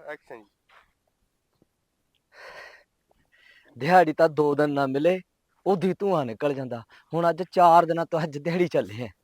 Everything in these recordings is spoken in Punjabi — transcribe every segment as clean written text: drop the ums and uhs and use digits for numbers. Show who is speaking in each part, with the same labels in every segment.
Speaker 1: ਐਕਸ਼ਨ ਜੀ।
Speaker 2: ਦਿਹਾੜੀ ਤਾਂ 2 ਦਿਨ ਨਾ ਮਿਲੇ ਉਹਦੀ ਧੂਆਂ ਨਿਕਲ ਜਾਂਦਾ। ਹੁਣ ਅੱਜ 4 ਦਿਨਾਂ ਤੋਂ ਅੱਜ ਦਿਹਾੜੀ ਚੱਲੇ ਆ।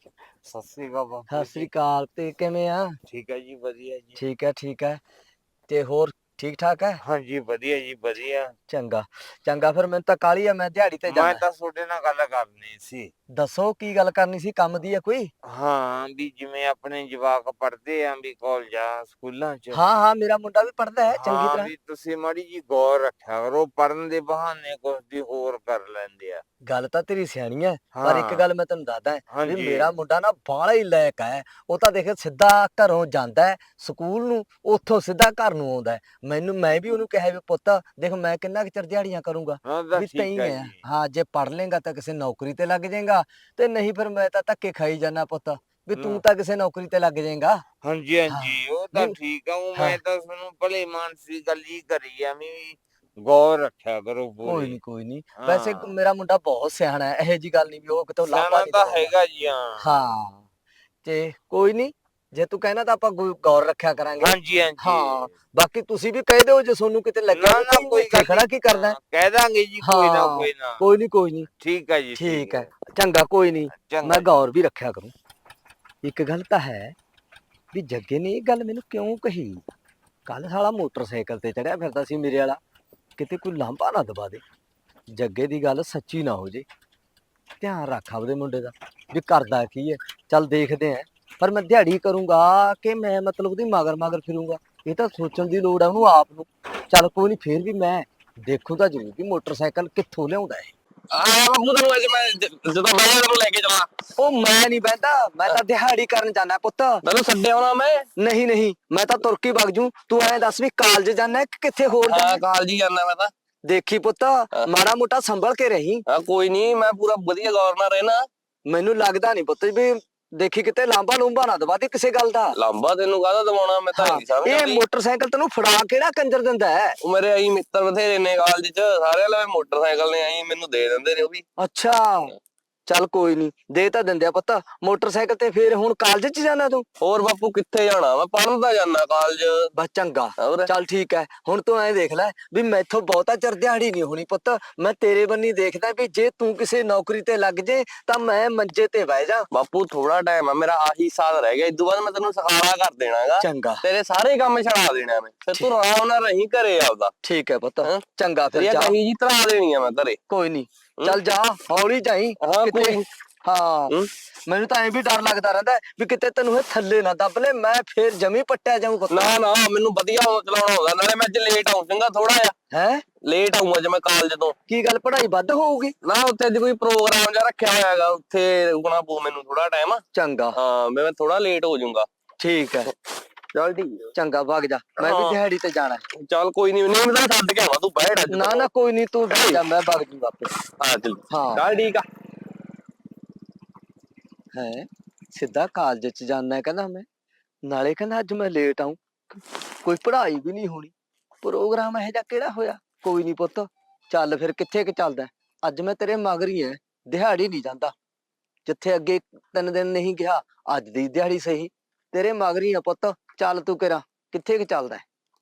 Speaker 1: ਸਤਿ ਸ੍ਰੀ ਅਕਾਲ
Speaker 2: ਸਤਿ
Speaker 1: ਬਾਪੂ
Speaker 2: ਸ੍ਰੀ
Speaker 1: ਜੀ।
Speaker 2: ਅਕਾਲ। ਤੇ ਕਿਵੇਂ ਆ?
Speaker 1: ਠੀਕ ਹੈ ਜੀ, ਵਧੀਆ ਜੀ।
Speaker 2: ਠੀਕ ਹੈ ਠੀਕ ਹੈ। ਤੇ ਹੋਰ ਠੀਕ ਠਾਕ ਹੈ?
Speaker 1: ਹਾਂਜੀ ਵਧੀਆ ਜੀ, ਵਧੀਆ।
Speaker 2: ਚੰਗਾ ਚੰਗਾ, ਫਿਰ ਮੈਨੂੰ ਤਾਂ ਕਾਹਲੀ ਆ, ਮੈਂ ਦਿਹਾੜੀ ਤੇ
Speaker 1: ਮੈਂ
Speaker 2: ਜਾਣਾ।
Speaker 1: ਤਾਂ ਤੁਹਾਡੇ ਨਾਲ ਗੱਲ ਕਰਨੀ ਸੀ।
Speaker 2: ਦੱਸੋ ਕੀ ਗੱਲ ਕਰਨੀ ਸੀ? ਕੰਮ ਦੀ ਆ ਕੋਈ?
Speaker 1: ਹਾਂ, ਵੀ ਜਿਵੇਂ ਆਪਣੇ ਜਵਾਕ ਪੜ੍ਹਦੇ ਆ ਵੀ ਕਾਲਜਾਂ ਸਕੂਲਾਂ ਚ।
Speaker 2: ਹਾਂ ਹਾਂ, ਮੇਰਾ ਮੁੰਡਾ ਵੀ ਪੜ੍ਹਦਾ ਹੈ ਚੰਗੀ
Speaker 1: ਹਾਂ,
Speaker 2: ਤਰ੍ਹਾਂ।
Speaker 1: ਵੀ ਤੁਸੀਂ ਮਾੜੀ ਜੀ ਗੌਰ ਰੱਖਿਆ ਕਰੋ, ਪੜ੍ਹਨ ਦੇ ਬਹਾਨੇ ਕੁਛ ਦੀ ਹੋਰ ਕਰ ਲੈਂਦੇ ਆ।
Speaker 2: ਗੱਲ ਤਾਂ ਤੇਰੀ ਸਿਆਣੀ ਹੈ, ਪਰ ਇੱਕ
Speaker 1: ਹਾਂ
Speaker 2: ਗੱਲ ਮੈਂ ਤੈਨੂੰ ਦੱਸਦਾ ਵੀ
Speaker 1: ਹਾਂਜੀ।
Speaker 2: ਮੇਰਾ ਮੁੰਡਾ ਨਾ ਬਾਹਲਾ ਹੀ ਲਾਇਕ ਹੈ। ਉਹ ਤਾਂ ਦੇਖ ਸਿੱਧਾ ਘਰੋਂ ਜਾਂਦਾ ਹੈ ਸਕੂਲ ਨੂੰ, ਉੱਥੋਂ ਸਿੱਧਾ ਘਰ ਨੂੰ ਆਉਂਦਾ ਹੈ। ਮੈਂ ਵੀ ਉਹਨੂੰ ਕਿਹਾ ਵੀ ਪੁੱਤ ਦੇਖ, ਮੈਂ ਕਿੰਨਾ ਕੁ ਚਿਰ ਦਿਹਾੜੀਆਂ ਕਰੂੰਗਾ,
Speaker 1: ਹਾਂ ਤਾਂ
Speaker 2: ਵੀ
Speaker 1: ਠੀਕ
Speaker 2: ਤਈ
Speaker 1: ਹੈ
Speaker 2: ਹੈ।
Speaker 1: ਜੀ।
Speaker 2: ਹਾਂ, ਜੇ ਪੜ੍ਹ ਲੇਗਾ ਤਾਂ ਕਿਸੇ ਨੌਕਰੀ ਤੇ ਲੱਗ ਜਾਏਗਾ, ਤੇ ਨਹੀਂ ਫਿਰ ਮੈਂ ਤਾਂ ਧੱਕੇ ਖਾਈ ਜਾਣਾ ਪੁੱਤ, ਵੀ ਤੂੰ ਤਾਂ ਕਿਸੇ ਨੌਕਰੀ ਤੇ ਲੱਗ ਜਾਏਗਾ।
Speaker 1: ਹਾਂਜੀ
Speaker 2: ਹਾਂ
Speaker 1: ਹਾਂਜੀ, ਉਹ ਤਾਂ
Speaker 2: ਨਹੀਂ।
Speaker 1: ਠੀਕ ਆ। ਉਹ
Speaker 2: ਹਾਂ
Speaker 1: ਮੈਂ ਤਾਂ ਤੁਹਾਨੂੰ ਭਲੇ ਮਾਨਸੀ ਗੱਲ ਹੀ ਕਰੀ ਆ ਵੀ ਗੌਰ ਰੱਖਿਆ ਕਰੋ
Speaker 2: ਕੋਈ
Speaker 1: ਪੂਰੀ।
Speaker 2: ਨਹੀਂ ਕੋਈ ਨਹੀਂ, ਵੈਸੇ
Speaker 1: ਹਾਂ,
Speaker 2: ਮੇਰਾ ਮੁੰਡਾ ਬਹੁਤ ਸਿਆਣਾ ਹੈ, ਇਹੋ ਜੀ ਗੱਲ ਨਹੀਂ ਵੀ ਉਹ ਕਿਤੋਂ ਲਾਂਭਾ
Speaker 1: ਸਿਆਣਾ
Speaker 2: ਨਹੀਂ
Speaker 1: ਤਾਂ
Speaker 2: ਦਵਾਉਂਦਾ।
Speaker 1: ਹੈਗਾ ਜੀ। ਹਾਂ
Speaker 2: ਹਾਂ, ਤੇ ਕੋਈ ਨਹੀਂ, ਜੇ ਤੂੰ ਕਹਿਣਾ ਤਾਂ ਆਪਾਂ ਗੌਰ ਰੱਖਿਆ ਕਰਾਂਗੇ।
Speaker 1: ਹਾਂਜੀ ਹਾਂਜੀ।
Speaker 2: ਹਾਂ, ਬਾਕੀ ਤੁਸੀਂ ਵੀ ਕਹਿ ਦਿਓ ਜੇ ਤੁਹਾਨੂੰ ਕਿਤੇ ਲੱਗਿਆ
Speaker 1: ਨਾ
Speaker 2: ਵੀ
Speaker 1: ਨਾ,
Speaker 2: ਭਾਈ
Speaker 1: ਕੋਈ
Speaker 2: ਇੱਥੇ
Speaker 1: ਗੱਲ
Speaker 2: ਖੜਾ
Speaker 1: ਨੀ।
Speaker 2: ਕੀ ਕਰਦਾ।
Speaker 1: ਹਾਂ, ਕਹਿ ਦਾਂਗੇ ਜੀ, ਕੋਈ ਨਾ
Speaker 2: ਹਾਂ
Speaker 1: ਕੋਈ ਨਾ।
Speaker 2: ਕੋਈ ਨਹੀਂ ਕੋਈ ਨਹੀਂ।
Speaker 1: ਠੀਕ ਹੈ ਜੀ, ਠੀਕ
Speaker 2: ਠੀਕ ਹੈ
Speaker 1: ਹੈ।
Speaker 2: ਚੰਗਾ, ਕੋਈ ਨਹੀਂ, ਮੈਂ
Speaker 1: ਚੰਗਾ ਜੀ।
Speaker 2: ਗੌਰ ਵੀ ਰੱਖਿਆ ਕਰੂੰ। ਇੱਕ ਗੱਲ ਤਾਂ ਹੈ ਵੀ ਜੱਗੇ ਨੇ ਇਹ ਗੱਲ ਮੈਨੂੰ ਕਿਉਂ ਕਹੀ। ਕੱਲ ਸਾਲਾ ਮੋਟਰਸਾਈਕਲ ਤੇ ਚੜਿਆ ਫਿਰਦਾ ਸੀ ਮੇਰੇ ਵਾਲਾ, ਕਿਤੇ ਕੋਈ ਲਾਂਭਾ ਨਾ ਦਬਾ ਦੇ, ਜੱਗੇ ਦੀ ਗੱਲ ਸੱਚੀ ਨਾ ਹੋ ਜੇ। ਧਿਆਨ ਰੱਖ ਆਪਦੇ ਮੁੰਡੇ ਦਾ ਵੀ ਕਰਦਾ ਕੀ ਹੈ। ਚੱਲ ਦੇਖਦੇ ਆ, ਪਰ ਮੈਂ ਦਿਹਾੜੀ ਕਰੂੰਗਾ ਕਿ ਮੈਂ ਮਤਲਬ ਉਹਦੀ ਮਗਰ ਮਗਰ ਫਿਰੂੰਗਾ, ਇਹ ਤਾਂ ਸੋਚਣ ਦੀ ਲੋੜ ਹੈ ਉਹਨੂੰ ਆਪ ਨੂੰ। ਚੱਲ ਕੋਈ ਨਹੀਂ, ਫੇਰ ਵੀ ਮੈਂ ਦੇਖੂ ਤਾਂ ਜ਼ਰੂਰ ਵੀ ਮੋਟਰਸਾਈਕਲ ਕਿੱਥੋਂ ਲਿਆਉਂਦਾ ਹੈ।
Speaker 3: ਬਾਪੂ ਤੈਨੂੰ ਅੱਜ ਮੈਂ ਜਦੋਂ ਬਹਿਆ ਤੈਨੂੰ ਲੈ ਕੇ ਜਾਵਾਂ।
Speaker 2: ਉਹ ਮੈਂ ਨਹੀਂ ਬਹਿੰਦਾ, ਮੈਂ ਤਾਂ ਦਿਹਾੜੀ ਕਰਨ ਜਾਣਾ ਪੁੱਤ।
Speaker 3: ਮੈਨੂੰ ਛੱਡਿਆ ਹੋਣਾ ਮੈਂ।
Speaker 2: ਨਹੀਂ ਨਹੀਂ, ਮੈਂ ਤਾਂ ਤੁਰ ਕੇ ਵਗ ਜੂ। ਤੂੰ ਐਂ ਦੱਸ ਵੀ ਕਾਲਜ ਜਾਣਾ ਕਿ ਕਿੱਥੇ ਹੋਰ
Speaker 3: ਹਾਂ,
Speaker 2: ਜਾਣਾ?
Speaker 3: ਕਾਲਜ ਹੀ ਜਾਂਦਾ ਮੈਂ ਤਾਂ।
Speaker 2: ਦੇਖੀ ਪੁੱਤ, ਮਾੜਾ ਮੋਟਾ ਸੰਭਲ ਕੇ ਰਹੀ।
Speaker 3: ਹਾਂ ਕੋਈ ਨਹੀਂ, ਮੈਂ ਪੂਰਾ ਵਧੀਆ ਗੌਰ ਨਾਲ ਰਹਿਣਾ।
Speaker 2: ਮੈਨੂੰ ਲੱਗਦਾ ਨਹੀਂ ਪੁੱਤ ਵੀ ਦੇਖੀ ਕਿਤੇ ਲਾਂਬਾ ਲੂੰਬਾ ਨਾ ਦਵਾ ਦੇ ਕਿਸੇ ਗੱਲ ਦਾ।
Speaker 3: ਲਾਂਬਾ ਤੈਨੂੰ ਕਾਹਦਾ ਦਵਾਉਣਾ, ਮੈਂ ਤਾਂ
Speaker 2: ਹਾਂ,
Speaker 3: ਨਹੀਂ ਸਮਝ
Speaker 2: ਇਹ
Speaker 3: ਆਉਂਦੀ।
Speaker 2: ਮੋਟਰਸਾਈਕਲ ਤੈਨੂੰ ਫੜਾ ਕਿਹੜਾ ਕੰਜਰ ਦਿੰਦਾ ਹੈ?
Speaker 3: ਉਹ ਮੇਰੇ ਆਈ ਮਿੱਤਰ ਬਥੇਰੇ ਨੇ ਕਾਲਜ ਚ, ਸਾਰੇ ਲਵੇ ਮੋਟਰਸਾਈਕਲ ਨੇ ਆਈ ਮੈਨੂੰ ਦੇ ਦਿੰਦੇ ਨੇ ਉਹ ਵੀ।
Speaker 2: ਅੱਛਾ, ਚੱਲ ਕੋਈ ਨਹੀਂ, ਦੇ ਤਾਂ ਦਿੰਦੇ ਆ ਪੁੱਤ ਮੋਟਰਸਾਈਕਲ ਤੇ। ਫੇਰ ਹੁਣ ਕਾਲਜ ਚ ਜਾਣਾ ਤੂੰ?
Speaker 3: ਹੋਰ ਬਾਪੂ ਕਿੱਥੇ ਜਾਣਾ, ਮੈਂ ਪੜ੍ਹਨ ਤਾਂ ਜਾਣਾ ਕਾਲਜ।
Speaker 2: ਬਸ ਚੰਗਾ,
Speaker 3: ਹੋਰ
Speaker 2: ਚੱਲ ਠੀਕ ਹੈ। ਹੁਣ ਤੂੰ ਐਂ ਦੇਖ ਲੈ ਵੀ ਮੈਥੋਂ ਬਹੁਤਾ ਚਿਰ ਦਿਹਾੜੀ ਨਹੀਂ ਹੋਣੀ ਪੁੱਤ। ਮੈਂ ਤੇਰੇ ਬੰਨੀ ਦੇਖਦਾ ਵੀ ਜੇ ਤੂੰ ਕਿਸੇ ਨੌਕਰੀ ਤੇ ਲੱਗ ਜੇ ਤਾਂ ਮੈਂ ਮੰਜੇ ਤੇ ਬਹਿ ਜਾ।
Speaker 3: ਬਾਪੂ ਥੋੜਾ ਟਾਈਮ ਆ ਮੇਰਾ, ਆਹੀ ਸਾਲ ਰਹਿ ਗਿਆ, ਇਦੋਂ ਬਾਅਦ ਮੈਂ ਤੈਨੂੰ ਸਖਾਲਾ ਕਰ ਦੇਣਾਗਾ।
Speaker 2: ਚੰਗਾ
Speaker 3: ਤੇਰੇ ਸਾਰੇ ਕੰਮ ਛਡਾ ਦੇਣਾ ਮੈਂ, ਫਿਰ ਤੂੰ ਆਰਾਮ ਨਾਲ ਰਹੀ ਘਰੇ ਆਪਦਾ।
Speaker 2: ਠੀਕ ਹੈ ਪੁੱਤ,
Speaker 3: ਹੈਂ?
Speaker 2: ਚੰਗਾ ਫਿਰ
Speaker 3: ਤੇਰੀਆਂ
Speaker 2: ਜਾ।
Speaker 3: ਕਹੀ ਜੀ ਤਰਾ ਦੇਣੀ ਆ ਮੈਂ ਘਰੇ।
Speaker 2: ਕੋਈ ਨਹੀਂ, ਚੱਲ ਜਾ, ਹੌਲੀ ਜਾਈ
Speaker 3: ਹਾਂ
Speaker 2: ਕਿਤੇ।
Speaker 3: ਕੋਈ ਨੀ।
Speaker 2: ਹਾਂ, ਮੈਨੂੰ ਤਾਂ ਐਂ ਵੀ ਡਰ ਲੱਗਦਾ ਰਹਿੰਦਾ ਵੀ ਕਿਤੇ ਤੈਨੂੰ ਇਹ ਥੱਲੇ ਨਾ ਦੱਬ ਲੈ, ਮੈਂ ਫੇਰ ਜਮੀ ਪੱਟਿਆ ਜਾਊਂ ਪੁੱਤ।
Speaker 3: ਨਾ ਨਾ, ਮੈਨੂੰ ਵਧੀਆ ਚਲਾਉਣਾ ਆਉਂਦਾ, ਨਾਲੇ ਮੈਂ ਅੱਜ ਲੇਟ ਆਉਂ ਚੰਗਾ ਥੋੜਾ ਜਿਹਾ।
Speaker 2: ਹੈ
Speaker 3: ਲੇਟ ਆਉਂਗਾ ਜੇ ਮੈਂ ਕਾਲਜ ਤੋਂ।
Speaker 2: ਕੀ ਗੱਲ, ਪੜ੍ਹਾਈ ਵੱਧ ਹੋਊਗੀ?
Speaker 3: ਨਾ ਉੱਥੇ ਅੱਜ ਕੋਈ ਪ੍ਰੋਗਰਾਮ ਜਿਹਾ ਰੱਖਿਆ ਹੋਇਆ ਹੈਗਾ, ਉੱਥੇ ਰੁਕਣਾ ਪਊ ਮੈਨੂੰ ਥੋੜਾ ਟਾਈਮ।
Speaker 2: ਚੰਗਾ
Speaker 3: ਹਾਂ, ਮੈਂ ਥੋੜਾ ਲੇਟ ਹੋ ਜਾਊਂਗਾ।
Speaker 2: ਠੀਕ ਹੈ,
Speaker 3: ਚੱਲ ਠੀਕ
Speaker 2: ਚੰਗਾ ਵਗ ਜਾ, ਮੈਂ ਵੀ
Speaker 3: ਹਾਂ
Speaker 2: ਦਿਹਾੜੀ ਤੇ ਜਾਣਾ।
Speaker 3: ਚੱਲ ਕੋਈ ਨੀ, ਨਹੀਂ ਮੈਂ ਛੱਡ ਕੇ ਆਵਾਂ, ਤੂੰ ਬੈਠ ਅੱਜ
Speaker 2: ਨਾ
Speaker 3: ਤੱਕ।
Speaker 2: ਨਾ ਕੋਈ ਨਹੀਂ, ਤੂੰ ਵਗ ਜਾ, ਮੈਂ ਵਗ ਜੂ ਆਪੇ।
Speaker 3: ਹਾਂ ਚੱਲ,
Speaker 2: ਹਾਂ
Speaker 3: ਚੱਲ ਠੀਕ ਆ।
Speaker 2: ਹੈ, ਸਿੱਧਾ ਕਾਲਜ ਚ ਜਾਣਾ ਕਹਿੰਦਾ ਮੈਂ, ਨਾਲੇ ਕਹਿੰਦਾ ਅੱਜ ਮੈਂ ਲੇਟ ਆਊਂ। ਕੋਈ ਪੜ੍ਹਾਈ ਵੀ ਨਹੀਂ ਹੋਣੀ, ਪ੍ਰੋਗਰਾਮ ਇਹੋ ਜਿਹਾ ਕਿਹੜਾ ਹੋਇਆ? ਕੋਈ ਨਹੀਂ ਪੁੱਤ, ਚੱਲ ਫਿਰ ਕਿੱਥੇ ਕਿ ਚੱਲਦਾ। ਅੱਜ ਮੈਂ ਤੇਰੇ ਮਗਰ ਹੀ ਐ, ਦਿਹਾੜੀ ਨਹੀਂ ਜਾਂਦਾ। ਜਿੱਥੇ ਅੱਗੇ 3 ਦਿਨ ਨਹੀਂ ਗਿਆ, ਅੱਜ ਦੀ ਦਿਹਾੜੀ ਸਹੀ ਤੇਰੇ ਮਗਰ ਹੀ ਆ ਪੁੱਤ। ਚੱਲ ਤੂੰ ਕਿਹੜਾ ਕਿੱਥੇ ਕਿ ਚੱਲਦਾ।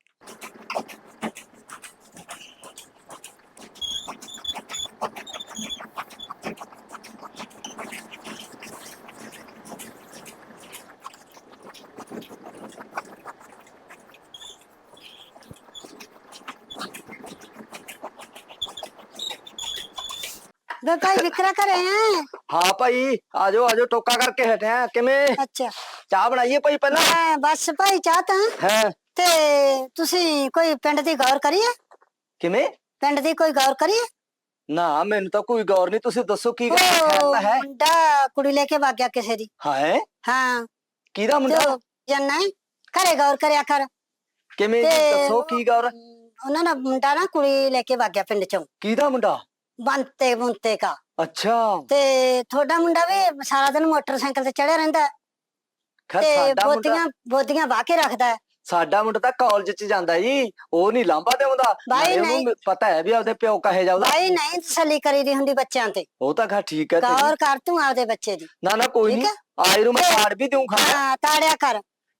Speaker 4: ਵੇ ਭਾਈ ਵਿਕਰਾ ਘਰੇ ਆ?
Speaker 2: ਹਾਂ ਭਾਈ, ਆਜੋ ਆਜੋ, ਟੋਕਾ ਕਰਕੇ ਹਟਿਆ। ਕਿਵੇਂ
Speaker 4: ਅੱਛਾ,
Speaker 2: ਚਾਹ ਬਣਾਈਏ ਭਾਈ ਪਹਿਲਾਂ?
Speaker 4: ਮੈਂ ਬਸ ਭਾਈ ਚਾਹ ਤਾਂ।
Speaker 2: ਹੈ
Speaker 4: ਤੇ ਤੁਸੀਂ ਕੋਈ ਪਿੰਡ ਦੀ ਗੌਰ ਕਰੀਏ?
Speaker 2: ਕਿਵੇਂ?
Speaker 4: ਪਿੰਡ ਦੀ ਕੋਈ ਗੌਰ ਕਰੀਏ?
Speaker 2: ਨਾ ਮੈਨੂੰ ਤਾਂ ਕੋਈ ਗੌਰ ਨਹੀਂ, ਤੁਸੀਂ ਦੱਸੋ ਕੀ ਗੱਲ ਖੈਰ
Speaker 4: ਉਹ
Speaker 2: ਤਾਂ ਹੈ?
Speaker 4: ਮੁੰਡਾ ਕੁੜੀ ਲੈ ਕੇ ਵਗ ਗਿਆ ਕਿਸੇ ਦੀ।
Speaker 2: ਹੈ
Speaker 4: ਹਾਂ,
Speaker 2: ਕਿਹਦਾ
Speaker 4: ਤੇ
Speaker 2: ਮੁੰਡਾ?
Speaker 4: ਜੰਨਾ ਘਰੇ ਗੌਰ ਕਰਿਆ ਕਰ।
Speaker 2: ਕਿਵੇਂ ਜੀ,
Speaker 4: ਤੇ
Speaker 2: ਦੱਸੋ ਕੀ ਗੌਰ?
Speaker 4: ਉਹਨਾਂ ਦਾ ਮੁੰਡਾ ਨਾ ਕੁੜੀ ਲੈ ਕੇ ਵਗ ਗਿਆ ਪਿੰਡ ਚੋਂ,
Speaker 2: ਕਿਹਦਾ ਮੁੰਡਾ?
Speaker 4: ਬੰਤੇ ਬੁੰਤੇ ਕਾ।
Speaker 2: ਅੱਛਾ,
Speaker 4: ਤੇ ਤੁਹਾਡਾ ਮੁੰਡਾ ਵੀ ਸਾਰਾ ਦਿਨ ਮੋਟਰਸਾਈਕਲ ਤੇ ਚੜਿਆ ਰਹਿੰਦਾ ਹੈ,
Speaker 2: ਖੈਰ
Speaker 4: ਤੇ
Speaker 2: ਸਾਡਾ ਮੁੰਡਾ,
Speaker 4: ਬੋਦੀਆਂ ਵਾਹ ਕੇ ਰੱਖਦਾ ਹੈ।
Speaker 2: ਸਾਡਾ ਮੁੰਡਾ ਤਾਂ ਕਾਲਜ ਚ ਜਾਂਦਾ ਜੀ, ਉਹ ਨਹੀਂ ਲਾਂਭਾ ਦੇਉਂਦਾ।
Speaker 4: ਬਾਈ
Speaker 2: ਨਾਲੇ
Speaker 4: ਨਹੀਂ,
Speaker 2: ਉਹਨੂੰ ਪਤਾ ਹੈ ਵੀ ਆਪਦੇ ਪਿਓ ਕਹੇ ਜਾਊਗਾ।
Speaker 4: ਬਾਈ ਨਹੀਂ ਤਸੱਲੀ ਕਰੀ ਦੀ ਹੁੰਦੀ ਬੱਚਿਆਂ ਤੇ।
Speaker 2: ਉਹ ਤਾਂ ਖੈਰ ਠੀਕ ਹੈ ਤੇਰੀ।
Speaker 4: ਗੌਰ ਕਰ ਤੂੰ ਆਪਦੇ ਬੱਚੇ ਦੀ।
Speaker 2: ਨਾ ਨਾ ਕੋਈ
Speaker 4: ਠੀਕ
Speaker 2: ਨਹੀਂ,
Speaker 4: ਹੈ,
Speaker 2: ਆਏ ਨੂੰ ਮੈਂ ਕਾਰਡ ਵੀ ਦਊਂ ਖਾਣਾ।
Speaker 4: ਹਾਂ ਤਾੜਿਆ ਕਰ।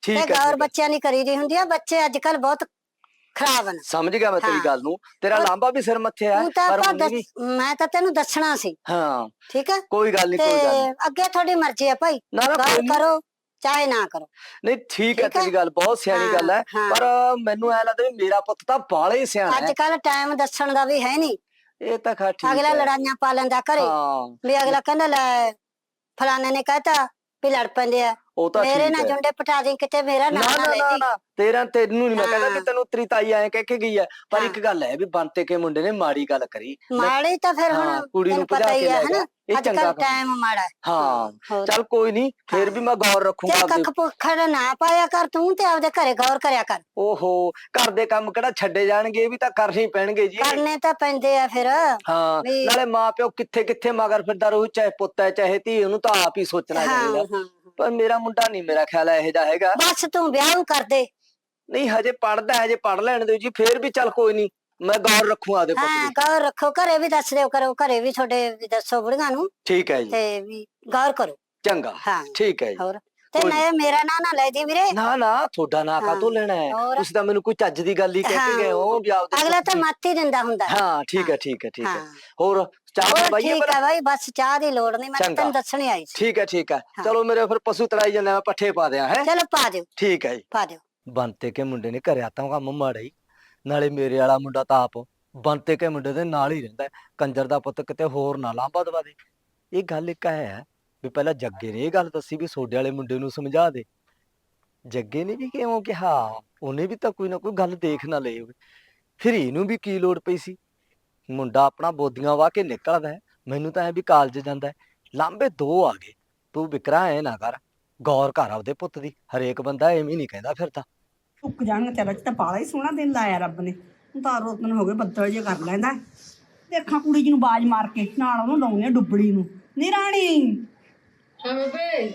Speaker 2: ਠੀਕ ਹੈ,
Speaker 4: ਗੌਰ
Speaker 2: ਠੀਕ ਹੈ।
Speaker 4: ਬੱਚਿਆਂ ਦੀ ਕਰੀ ਦੀ ਹੁੰਦੀ ਆ। ਬੱਚੇ ਅੱਜ ਕੱਲ ਬਹੁਤ ਖਰਾਬ ਨੇ।
Speaker 2: ਸਮਝ ਗਿਆ ਮੈਂ ਤੇਰੀ
Speaker 4: ਹਾਂ।
Speaker 2: ਗੱਲ ਨੂੰ। ਤੇਰਾ
Speaker 4: ਉਹ-
Speaker 2: ਲਾਂਬਾ ਵੀ ਸਿਰ ਮੱਥੇ ਆ
Speaker 4: ਤੂੰ ਤਾਂ
Speaker 2: ਪਰ
Speaker 4: ਆਪਾਂ
Speaker 2: ਉਹਨੇ ਵੀ
Speaker 4: ਮੈਂ ਤਾਂ ਤੈਨੂੰ ਦੱਸਣਾ ਸੀ।
Speaker 2: ਹਾਂ
Speaker 4: ਠੀਕ ਹੈ
Speaker 2: ਕੋਈ ਗੱਲ ਨਹੀਂ
Speaker 4: ਤੇ
Speaker 2: ਕੋਈ ਗੱਲ ਨੀ।
Speaker 4: ਅੱਗੇ ਤੁਹਾਡੀ ਮਰਜ਼ੀ ਆ ਭਾਈ,
Speaker 2: ਨਾ ਨਾ
Speaker 4: ਗੌਰ
Speaker 2: ਕੋਈ ਨੀ।
Speaker 4: ਕਰੋ ਚਾਹੇ ਨਾ ਕਰੋ।
Speaker 2: ਨਹੀਂ ਠੀਕ ਹੈ
Speaker 4: ਠੀਕ ਹੈ?
Speaker 2: ਤੇਰੀ ਗੱਲ ਬਹੁਤ ਸਿਆਣੀ ਗੱਲ ਹੈ
Speaker 4: ਹਾਂ।
Speaker 2: ਪਰ ਮੈਨੂੰ ਐ ਲੱਗਦਾ ਵੀ ਮੇਰਾ ਪੁੱਤ ਤਾਂ ਬਾਹਲਾ ਹੀ ਸਿਆਣਾ
Speaker 4: ਅੱਜ
Speaker 2: ਹੈ।
Speaker 4: ਕੱਲ ਟਾਈਮ ਦੱਸਣ ਦਾ ਵੀ ਹੈ ਨਹੀਂ।
Speaker 2: ਇਹ ਤਾਂ ਖਾ ਠੀਕ
Speaker 4: ਅਗਲਾ
Speaker 2: ਹੈ।
Speaker 4: ਲੜਾਈਆਂ ਪਾ ਲੈਂਦਾ ਘਰੇ,
Speaker 2: ਹਾਂ
Speaker 4: ਵੀ ਅਗਲਾ ਕਹਿੰਦਾ ਲੈ ਫਲਾਣੇ ਨੇ ਕਹਿਤਾ ਵੀ ਲੜ ਪੈਂਦੇ ਆ,
Speaker 2: ਉਹ ਤਾਂ
Speaker 4: ਮੇਰੇ
Speaker 2: ਠੀਕ
Speaker 4: ਨਾਲ
Speaker 2: ਹੈ।
Speaker 4: ਜੁੰਡੇ ਪਟਾ ਦੀ, ਕਿਤੇ ਮੇਰਾ ਨਾਂ
Speaker 2: ਨਾ
Speaker 4: ਨਾ
Speaker 2: ਨਾ
Speaker 4: ਲੈ
Speaker 2: ਨਾ
Speaker 4: ਦੀ।
Speaker 2: ਨਾ ਤੈਨੂੰ ਨਹੀਂ ਮੈਂ ਕਹਿੰਦਾ ਵੀ
Speaker 4: ਹਾਂ।
Speaker 2: ਤੈਨੂੰ ਤੇਰੀ ਤਾਈ ਐਂ ਕਹਿ ਕੇ ਗਈ ਹੈ ਪਰ
Speaker 4: ਹਾਂ।
Speaker 2: ਇੱਕ ਗੱਲ ਹੈ ਵੀ ਬੰਤੇ ਕੇ ਮੁੰਡੇ ਨੇ ਮਾੜੀ ਗੱਲ ਕਰੀ।
Speaker 4: ਮਾੜੀ ਤਾਂ ਫਿਰ ਹੁਣ
Speaker 2: ਹਾਂ ਕੁੜੀ ਨੂੰ
Speaker 4: ਤੈਨੂੰ ਪਤਾ
Speaker 2: ਭਜਾ
Speaker 4: ਹੀ
Speaker 2: ਕੇ
Speaker 4: ਹੈ
Speaker 2: ਲੈ ਗਿਆ
Speaker 4: ਹਨਾ,
Speaker 2: ਇਹ
Speaker 4: ਅੱਜ
Speaker 2: ਚੰਗਾ
Speaker 4: ਕੱਲ
Speaker 2: ਕੰਮ।
Speaker 4: ਟਾਈਮ ਮਾੜਾ ਹੈ।
Speaker 2: ਹਾਂ
Speaker 4: ਹੋਰ।
Speaker 2: ਚੱਲ ਕੋਈ ਨਹੀਂ ਫੇਰ ਵੀ ਮੈਂ ਗੌਰ ਰੱਖੂੰਗਾ
Speaker 4: ਤੇ
Speaker 2: ਆਪਦੇ।
Speaker 4: ਕੱਖ ਪੁੱਖੜ ਨਾ ਪਾਇਆ ਕਰ ਤੂੰ, ਤੇ ਆਪਦੇ ਘਰੇ ਗੌਰ ਕਰਿਆ ਕਰ।
Speaker 2: ਓਹੋ ਘਰ ਦੇ ਕੰਮ ਕਿਹੜਾ ਛੱਡੇ ਜਾਣਗੇ, ਇਹ ਵੀ ਤਾਂ ਕਰਨੇ ਹੀ ਪੈਣਗੇ ਜੀ।
Speaker 4: ਕਰਨੇ ਤਾਂ ਪੈਂਦੇ ਆ ਫਿਰ
Speaker 2: ਹਾਂ
Speaker 4: ਵੀ।
Speaker 2: ਨਾਲੇ ਮਾਂ ਪਿਓ ਕਿੱਥੇ ਕਿੱਥੇ ਮਗਰ ਫਿਰਦਾ ਰਹੂ, ਚਾਹੇ ਪੁੱਤ ਹੈ ਚਾਹੇ ਧੀ, ਉਹਨੂੰ ਤਾਂ ਆਪ ਹੀ ਸੋਚਣਾ
Speaker 4: ਹਾਂ
Speaker 2: ਚਾਹੀਦਾ।
Speaker 4: ਹਾਂ।
Speaker 2: ਪਰ ਮੇਰਾ ਮੁੰਡਾ ਨਹੀਂ, ਮੇਰਾ ਖਿਆਲ ਇਹੋ ਜਿਹਾ ਹੈਗਾ।
Speaker 4: ਬਸ ਤੂੰ ਵਿਆਹ ਕਰ ਦੇ।
Speaker 2: ਨਹੀਂ ਹਜੇ ਪੜਦਾ, ਹਜੇ ਪੜ ਲੈਣ ਦਿਓ ਜੀ, ਫੇਰ ਵੀ ਚੱਲ ਕੋਈ ਨਹੀਂ ਮੈਂ ਗੌਰ ਰੱਖੂ ਆਦੇ ਪੁੱਤ
Speaker 4: ਹਾਂ
Speaker 2: ਦੀ।
Speaker 4: ਗੌਰ ਰੱਖੋ, ਘਰੇ ਵੀ ਦੱਸ ਦਿਓ ਕਰੋ, ਘਰੇ ਵੀ ਤੁਹਾਡੇ ਵੀ ਦੱਸੋ ਬੁੜੀਆਂ ਨੂੰ,
Speaker 2: ਠੀਕ ਹੈ ਜੀ
Speaker 4: ਤੇ ਵੀ ਗੌਰ ਕਰੋ।
Speaker 2: ਚੰਗਾ
Speaker 4: ਹਾਂ
Speaker 2: ਠੀਕ ਹੈ ਜੀ।
Speaker 4: ਹੋਰ। ਤੇ
Speaker 2: ਕੋਈ
Speaker 4: ਮੈਂ ਮੇਰਾ ਨਾਂ ਨਾ ਲੈ ਦੀ ਵੀਰੇ।
Speaker 2: ਨਾ ਨਾ ਤੁਹਾਡਾ ਨਾਂ
Speaker 4: ਹਾਂ,
Speaker 2: ਕਾਹਤੋਂ ਲੈਣਾ ਹੈ,
Speaker 4: ਹੋਰ।
Speaker 2: ਤੁਸੀਂ ਤਾਂ ਮੈਨੂੰ ਕੋਈ ਚੱਜ ਦੀ ਗੱਲ ਹੀ ਕਹਿ ਕੇ ਗਏ ਹੋ ਵੀ ਆਪਦੇ
Speaker 4: ਅਗਲਾ
Speaker 2: ਪੁੱਤ
Speaker 4: ਤਾਂ
Speaker 2: ਦੀ।
Speaker 4: ਮੱਤ ਹੀ ਦਿੰਦਾ ਹੁੰਦਾ।
Speaker 2: ਹਾਂ ਠੀਕ ਹੈ ਠੀਕ ਹੈ ਠੀਕ ਹੈ।
Speaker 4: ਹਾਂ।
Speaker 2: ਹੋਰ ਚਾਹ
Speaker 4: ਹੋਰ
Speaker 2: ਪਾਈਏ
Speaker 4: ਠੀਕ
Speaker 2: ਪਰ।
Speaker 4: ਹੈ ਬਾਈ, ਬਸ ਚਾਹ ਦੀ ਲੋੜ ਨਹੀਂ, ਮੈਂ ਤਾਂ
Speaker 2: ਚੰਗਾ।
Speaker 4: ਤੈਨੂੰ ਦੱਸਣ ਹੀ ਆਈ ਸੀ।
Speaker 2: ਠੀਕ ਹੈ ਠੀਕ ਹੈ
Speaker 4: ਹਾਂ।
Speaker 2: ਚਲੋ ਮੇਰੇ ਫਿਰ ਪਸ਼ੂ ਤੜਾਈ ਜਾਂਦੇ ਮੈਂ ਪੱਠੇ ਪਾ ਦਿਆਂ ਹੈ।
Speaker 4: ਚਲੋ ਪਾ ਦਿਓ
Speaker 2: ਠੀਕ ਹੈ ਜੀ।
Speaker 4: ਪਾ ਦਿਓ।
Speaker 2: ਬੰਤੇ ਕੇ ਮੁੰਡੇ ਨੇ ਕਰਿਆ ਤਾਂ ਕੰਮ ਮਾੜਾ ਹੀ, ਨਾਲੇ ਮੇਰੇ ਵਾਲਾ ਮੁੰਡਾ ਤਾਂ ਆਪ ਬੰਤੇ ਕੇ ਮੁੰਡੇ ਦੇ ਨਾਲ ਹੀ ਰਹਿੰਦਾ ਹੈ। ਕੰਜਰ ਦਾ ਪੁੱਤ ਕਿਤੇ ਹੋਰ ਨਾ ਲਾਂਭਾ ਦਵਾ ਦੇ। ਇਹ ਗੱਲ ਇੱਕ ਹੈ ਵੀ ਪਹਿਲਾਂ ਜੱਗੇ ਨੇ ਇਹ ਗੱਲ ਦੱਸੀ ਵੀ ਸੋਡੇ ਵਾਲੇ ਮੁੰਡੇ ਨੂੰ ਸਮਝਾ ਦੇ। ਜੱਗੇ ਨੇ ਵੀ ਕਿਉਂ ਕਿਹਾ, ਉਹਨੇ ਵੀ ਤਾਂ ਕੋਈ ਨਾ ਕੋਈ ਗੱਲ ਦੇਖ ਨਾ ਲਈ ਹੋਵੇ। ਫਿਰ ਇਹਨੂੰ ਵੀ ਕੀ ਲੋੜ ਪਈ ਸੀ। ਮੁੰਡਾ ਆਪਣਾ ਬੋਦੀਆਂ ਵਾਹ ਕੇ ਨਿਕਲਦਾ ਹੈ, ਮੈਨੂੰ ਤਾਂ ਐ ਵੀ ਕਾਲਜ ਜਾਂਦਾ ਹੈ। ਲਾਂਬੇ ਦੋ ਆ ਗਏ, ਤੂੰ ਵਿਕਰਾ ਐ ਨਾ ਕਰ, ਗੌਰ ਕਰ ਆਪਦੇ ਪੁੱਤ ਦੀ। ਹਰੇਕ ਬੰਦਾ ਐਵੇਂ ਨਹੀਂ ਕਹਿੰਦਾ ਫਿਰਦਾ।
Speaker 5: ਟੁੱਕ ਜਾਣਗੇ ਤੇਰਾ ਚ ਤਾਂ ਬਾਲਾ ਹੀ ਸੋਹਣਾ ਦਿਨ ਲਾਇਆ ਰੱਬ ਨੇ। ਹੁਣ ਤਾਂ ਰੋਤਨ ਹੋ ਗਏ, ਬੱਦਲ ਜੇ ਕਰ ਲੈਂਦਾ। ਦੇਖਾਂ ਕੁੜੀ ਜੀ ਨੂੰ ਬਾਜ ਮਾਰ ਕੇ ਨਾਲ ਉਹਨੂੰ ਲਾਉਣੀ ਆ ਡੁੱਬੜੀ ਨੂੰ। ਨੀ ਰਾਣੀ
Speaker 6: ਹਾਂ ਬੇਬੇ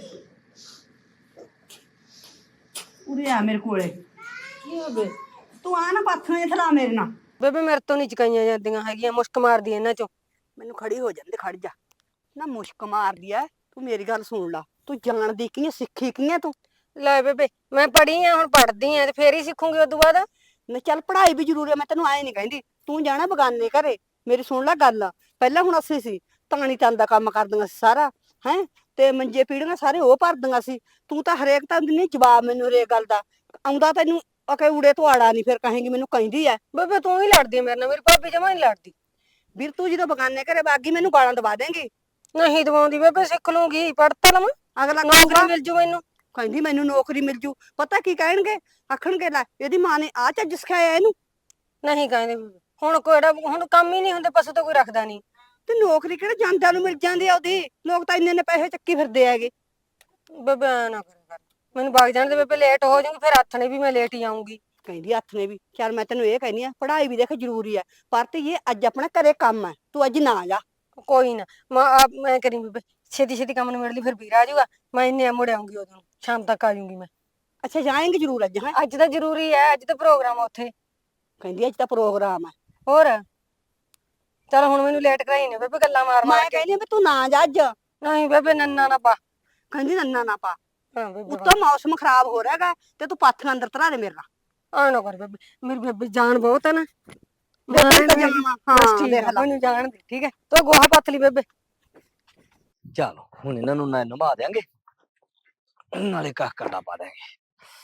Speaker 5: ਉਰੇ ਆ ਮੇਰੇ ਕੋਲੇ।
Speaker 6: ਕੀ ਹੋ ਬੇ
Speaker 5: ਤੂੰ ਆ ਨਾ ਪਾਥੀਆਂ ਥਲਾ ਮੇਰੇ ਨਾਲ।
Speaker 6: ਬੇਬੇ ਮੇਰੇ ਤੋਂ ਨਹੀਂ ਚਕਾਈਆਂ ਜਾਂਦੀਆਂ ਹੈਗੀਆਂ, ਮੁਸ਼ਕ ਮਾਰਦੀ ਇਹਨਾਂ ਚੋਂ।
Speaker 5: ਮੈਨੂੰ ਖੜੀ ਹੋ ਜਾਂਦੇ, ਖੜ ਜਾ ਨਾ। ਮੁਸ਼ਕ ਮਾਰਦੀ ਐ। ਤੂੰ ਮੇਰੀ ਗੱਲ ਸੁਣ ਲਾ, ਤੂੰ ਜਾਣਦੀ ਕੀ ਐ, ਸਿੱਖੀ ਕੀ ਐ ਤੂੰ?
Speaker 6: ਲੈ ਬੇਬੇ ਮੈਂ ਪੜ੍ਹੀ ਆ, ਹੁਣ ਪੜ੍ਹਦੀ ਆ ਤੇ ਫੇਰ ਹੀ ਸਿੱਖੂਗੀ ਉਦੋਂ ਬਾਅਦ।
Speaker 5: ਨਾ ਚੱਲ ਪੜ੍ਹਾਈ ਵੀ ਜ਼ਰੂਰੀ ਐ, ਮੈਂ ਤੈਨੂੰ ਐ ਨਹੀਂ ਕਹਿੰਦੀ। ਤੂੰ ਜਾਣਾ ਬਗਾਨੇ ਘਰੇ, ਮੇਰੀ ਸੁਣ ਲੈ ਗੱਲ। ਪਹਿਲਾਂ ਹੁਣ ਅਸੀਂ ਸੀ ਤਾਣੀ ਤਨ ਦਾ ਕੰਮ ਕਰਦੀਆਂ ਸੀ ਸਾਰਾ, ਹੈ ਤੇ ਮੰਜੇ ਪੀੜੀਆਂ ਸਾਰੇ ਉਹ ਭਰਦੀਆਂ ਸੀ। ਤੂੰ ਤਾਂ ਹਰੇਕ ਤਾਂ ਦਿੰਦੀ ਜਵਾਬ ਮੈਨੂੰ ਹਰੇਕ ਗੱਲ ਦਾ। ਆਉਂਦਾ ਤੈਨੂੰ ਅਕੇ ਊੜੇ ਤੋਂ ਆੜਾ ਨਹੀਂ, ਫਿਰ ਕਹੇਂਗੀ ਮੈਨੂੰ ਕਹਿੰਦੀ ਐ।
Speaker 6: ਬੇਬੇ ਤੂੰ ਹੀ ਲੜਦੀ ਆ ਮੇਰੇ ਨਾਲ, ਮੇਰੀ ਭਾਬੀ ਜਮਾ ਨਹੀਂ ਲੜਦੀ।
Speaker 5: ਵੀਰ ਤੂੰ ਜਦੋਂ ਬਗਾਨੇ ਘਰੇ ਬਾਗੀ ਮੈਨੂੰ ਗਾਲਾਂ ਦਵਾ ਦੇਂਗੀ।
Speaker 6: ਨਹੀਂ ਦਵਾਉਂਦੀ ਬੇਬੇ, ਸਿੱਖ ਲੂੰਗੀ, ਪੜ੍ਹ ਤਾਂ ਲਵਾਂ,
Speaker 5: ਅਗਲਾ
Speaker 6: ਨੌਕਰੀ
Speaker 5: ਕਹੂਗਾ
Speaker 6: ਮਿਲ ਜੂ ਮੈਨੂੰ।
Speaker 5: ਕਹਿੰਦੀ ਮੈਨੂੰ ਨੌਕਰੀ ਮਿਲ ਜੂ। ਪਤਾ ਕੀ ਕਹਿਣਗੇ, ਆਖਣਗੇ ਲੈ ਇਹਦੀ ਮਾਂ ਨੇ ਆ ਚੱਜ ਸਿਖਾਇਆ ਇਹਨੂੰ।
Speaker 6: ਨਹੀਂ ਕਹਿੰਦੇ ਬੇਬੇ, ਹੁਣ ਕੋੜਾ ਹੁਣ ਕੰਮ ਹੀ ਨਹੀਂ ਹੁੰਦੇ, ਪਸ਼ੂ ਤਾਂ ਕੋਈ ਰੱਖਦਾ ਨਹੀਂ।
Speaker 5: ਤੇ ਨੌਕਰੀ ਕਿਹੜਾ ਜਾਂਦਿਆਂ ਨੂੰ ਮਿਲ ਜਾਂਦੀ ਆ ਉਹਦੀ। ਲੋਕ ਤਾਂ ਇੰਨੇ ਪੈਸੇ ਚੱਕੀ ਫਿਰਦੇ ਹੈਗੇ।
Speaker 6: ਬੇਬੇ ਐ ਨਾ ਕਰਿਆ ਕਰ, ਮੈਨੂੰ ਵਗ ਜਾਣ ਦੇ ਬੇਬੇ, ਲੇਟ ਹੋ ਜਾਊਂਗੀ, ਫਿਰ ਹੱਥ ਨੇ ਵੀ ਮੈਂ ਲੇਟ ਹੀ ਆਉਂਗੀ।
Speaker 5: ਕਹਿੰਦੀ ਹੱਥ ਨੇ ਵੀ। ਚੱਲ ਮੈਂ ਤੈਨੂੰ ਇਹ ਕਹਿੰਦੀ ਆ, ਪੜ੍ਹਾਈ ਵੀ ਦੇਖ ਜ਼ਰੂਰੀ ਆ, ਪਰ ਤੇ ਇਹ ਅੱਜ ਆਪਣਾ ਘਰੇ ਕੰਮ ਹੈ, ਤੂੰ ਅੱਜ ਨਾ ਜਾ।
Speaker 6: ਕੋਈ ਨਾ ਮੈਂ ਕਰੀ ਬੇਬੇ, ਛੇਤੀ ਛੇਤੀ ਕੰਮ ਨੂੰ ਮਿਲ ਲਈ, ਫਿਰ ਵੀਰ ਆ ਜਾਊਗਾ, ਮੈਂ ਇੰਨੇ ਮੁੜ ਆਉਂਗੀ, ਉਦੋਂ ਸ਼ਾਮ ਤੱਕ ਆ ਜਾਊਂਗੀ ਮੈਂ।
Speaker 5: ਅੱਛਾ ਜਾਏਂਗੇ ਜ਼ਰੂਰ ਅੱਜ? ਹੈ
Speaker 6: ਅੱਜ ਤਾਂ ਜ਼ਰੂਰੀ ਹੈ, ਅੱਜ ਤਾਂ ਪ੍ਰੋਗਰਾਮ ਆ ਉੱਥੇ।
Speaker 5: ਕਹਿੰਦੀ ਅੱਜ ਤਾਂ ਪ੍ਰੋਗਰਾਮ ਹੈ।
Speaker 6: ਹੋਰ ਚਲ ਹੁਣ ਮੈਨੂੰ ਲੇਟ ਕਰਾਈ ਨੇ ਬੇਬੇ, ਗੱਲਾਂ ਮਾਰ
Speaker 5: ਮੈਂ
Speaker 6: ਮਾਰ ਕੇ।
Speaker 5: ਕਹਿੰਦੀ ਆ ਵੀ ਤੂੰ ਨਾ ਜਾ ਅੱਜ।
Speaker 6: ਨਹੀਂ ਬੇਬੇ ਨੰਨਾ ਨਾ ਪਾ।
Speaker 5: ਕਹਿੰਦੀ ਨੰਨਾ ਨਾ ਪਾ।
Speaker 6: ਹਾਂ ਬੇਬੇ
Speaker 5: ਉੱਤੋਂ ਮੌਸਮ ਖਰਾਬ ਹੋ ਰਿਹਾ ਹੈਗਾ ਤੇ ਤੂੰ ਪਾਥੀਆਂ ਅੰਦਰ ਧਰਾ ਦੇ ਮੇਰੇ ਨਾਲ।
Speaker 6: ਆ ਨਾ ਕਰ ਬੇਬੇ, ਮੇਰੀ ਬੇਬੇ ਜਾਨ ਬਹੁਤ ਹੈ ਨਾ।
Speaker 5: ਬੇਬੇ ਤਾਂ ਜਾਵਾਂ।
Speaker 6: ਬਸ
Speaker 5: ਹਾਂ
Speaker 6: ਠੀਕ
Speaker 5: ਦੇਖ
Speaker 6: ਹੈ,
Speaker 5: ਲੈ।
Speaker 6: ਮੈਨੂੰ ਜਾਣ ਦੇ, ਠੀਕ ਹੈ, ਤੂੰ ਗੋਹਾ ਪੱਥ ਲਈ ਬੇਬੇ।
Speaker 2: ਚਲੋ ਹੁਣ ਇਹਨਾਂ ਨੂੰ ਨਾ ਨਵਾ ਦਿਆਂਗੇ, ਨਾਲੇ ਕੱਖ ਕੰਡਾ ਪਾ ਦਿਆਂਗੇ।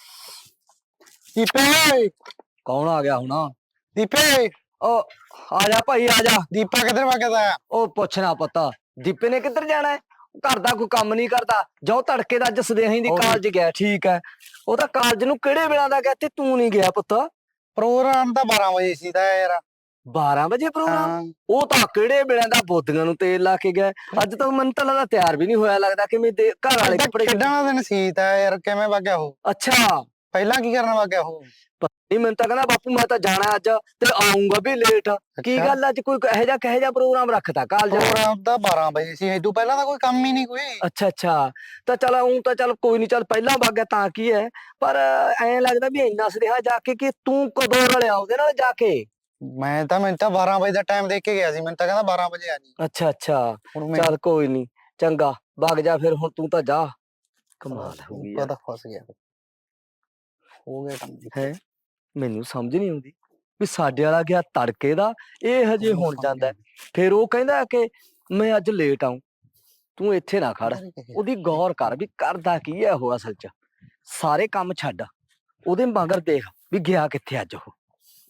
Speaker 1: ਦੀਪੇ
Speaker 2: ਕੌਣ ਆ ਗਿਆ ਹੁਣ?
Speaker 1: ਦੀਪੇ
Speaker 2: ਉਹ ਆ ਜਾ ਭਾਈ ਆ ਜਾ।
Speaker 1: ਦੀਪਾ ਕਿੱਧਰ ਵਗਦਾ ਆ?
Speaker 2: ਉਹ ਪੁੱਛਣਾ ਪਤਾ ਦੀਪੇ ਨੇ ਕਿੱਧਰ ਜਾਣਾ ਹੈ? ਘਰ ਦਾ ਕੋਈ ਕੰਮ ਨਹੀਂ ਕਰਦਾ। ਜੋ ਤੜਕੇ ਦਾ ਅੱਜ ਸਦੇਹੀ ਦੀ ਕਾਲਜ ਗਿਆ। ਠੀਕ ਹੈ, ਉਹ ਤਾਂ ਕਾਲਜ ਨੂੰ ਕਿਹੜੇ ਵੇਲੇ ਦਾ ਗਿਆ ਤੇ ਤੂੰ ਨਹੀਂ ਗਿਆ ਪੁੱਤ?
Speaker 1: ਪ੍ਰੋਗਰਾਮ ਤਾਂ 12 ਵਜੇ ਸੀ ਤਾਂ ਯਾਰ।
Speaker 2: 12 ਵਜੇ ਪ੍ਰੋਗਰਾਮ?
Speaker 1: ਹਾਂ
Speaker 2: ਉਹ ਤਾਂ ਕਿਹੜੇ ਵੇਲੇ ਦਾ ਬੋਦੀਆਂ ਨੂੰ ਤੇਲ ਲਾ ਕੇ ਗਿਆ। ਅੱਜ ਤੱਕ ਮੈਨੂੰ ਤਾਂ ਲੱਗਦਾ ਤਿਆਰ ਵੀ ਨਹੀਂ ਹੋਇਆ, ਲੱਗਦਾ ਕਿ ਮੇਰੇ ਘਰ ਵਾਲੇ ਕੱਪੜੇ।
Speaker 1: ਕਿੱਦਾਂ ਦਾ ਦਿਨ ਸੀ ਤਾਂ ਯਾਰ, ਕਿਵੇਂ ਵਗਿਆ ਉਹ?
Speaker 2: ਅੱਛਾ
Speaker 1: ਪਹਿਲਾਂ ਕੀ ਕਰਨ ਵਗਿਆ ਉਹ?
Speaker 2: ਨਹੀਂ ਮੈਨੂੰ ਤਾਂ ਕਹਿੰਦਾ ਬਾਪੂ ਮੈਂ ਤਾਂ ਜਾਣਾ ਅੱਜ ਤੇ ਆਉਂਗਾ ਵੀ ਲੇਟ। ਕੀ ਗੱਲ ਅੱਜ ਕੋਈ ਇਹੋ ਜਿਹਾ ਪ੍ਰੋਗਰਾਮ ਰੱਖਤਾ ਕਾਲਜ?
Speaker 1: ਪ੍ਰੋਗਰਾਮ ਤਾਂ 12 ਵਜੇ ਸੀ, ਇਦੋਂ ਪਹਿਲਾਂ ਤਾਂ ਕੋਈ ਕੰਮ ਹੀ ਨਹੀਂ ਕੋਈ।
Speaker 2: ਅੱਛਾ ਅੱਛਾ, ਤਾਂ ਚਲ ਉਹ ਤਾਂ ਚੱਲ ਕੋਈ ਨਹੀਂ, ਚੱਲ ਪਹਿਲਾਂ ਵਗ ਗਿਆ ਤਾਂ ਕੀ ਹੈ, ਪਰ ਐਂ ਲੱਗਦਾ ਵੀ ਇੰਨਾ ਸੁਨੇਹਾ ਜਾ ਕੇ ਕਿ ਤੂੰ ਕਦੋਂ ਰਲਿਆ ਉਹਦੇ ਨਾਲ ਜਾ ਕੇ?
Speaker 1: ਮੈਨੂੰ ਤਾਂ 12 ਵਜੇ ਦਾ ਟਾਈਮ ਦੇ ਕੇ ਗਿਆ ਸੀ, ਮੈਨੂੰ ਤਾਂ ਕਹਿੰਦਾ 12 ਵਜੇ ਆ ਜੀ।
Speaker 2: ਅੱਛਾ ਅੱਛਾ,
Speaker 1: ਹੁਣ ਮੈਂ
Speaker 2: ਚੱਲ ਕੋਈ ਨਹੀਂ, ਚੰਗਾ ਵਗ ਜਾ ਫਿਰ ਹੁਣ, ਤੂੰ ਤਾਂ ਜਾ। ਕਮਾਲ ਹੋ ਗਈ ਯਾਰ।
Speaker 1: ਪਤਾ ਫਸ ਗਿਆ।
Speaker 7: ਹੋ ਗਿਆ ਕੰਮ ਜੀ।
Speaker 2: ਹੈ ਮੈਨੂੰ ਸਮਝ ਨਹੀਂ ਆਉਂਦੀ ਵੀ ਸਾਡੇ ਵਾਲਾ ਗਿਆ ਤੜਕੇ ਦਾ, ਇਹ ਹਜੇ ਹੁਣ ਜਾਂਦਾ ਹੈ। ਫਿਰ ਉਹ ਕਹਿੰਦਾ ਕਿ ਮੈਂ ਅੱਜ ਲੇਟ ਆਉਂ। ਤੂੰ ਇੱਥੇ ਨਾ ਖੜ, ਉਹਦੀ ਗੌਰ ਕਰ ਵੀ ਕਰਦਾ ਕੀ ਹੈ ਉਹ ਅਸਲ 'ਚ। ਸਾਰੇ ਕੰਮ ਛੱਡ, ਉਹਦੇ ਮਗਰ ਦੇਖ ਵੀ ਗਿਆ ਕਿੱਥੇ ਅੱਜ ਉਹ।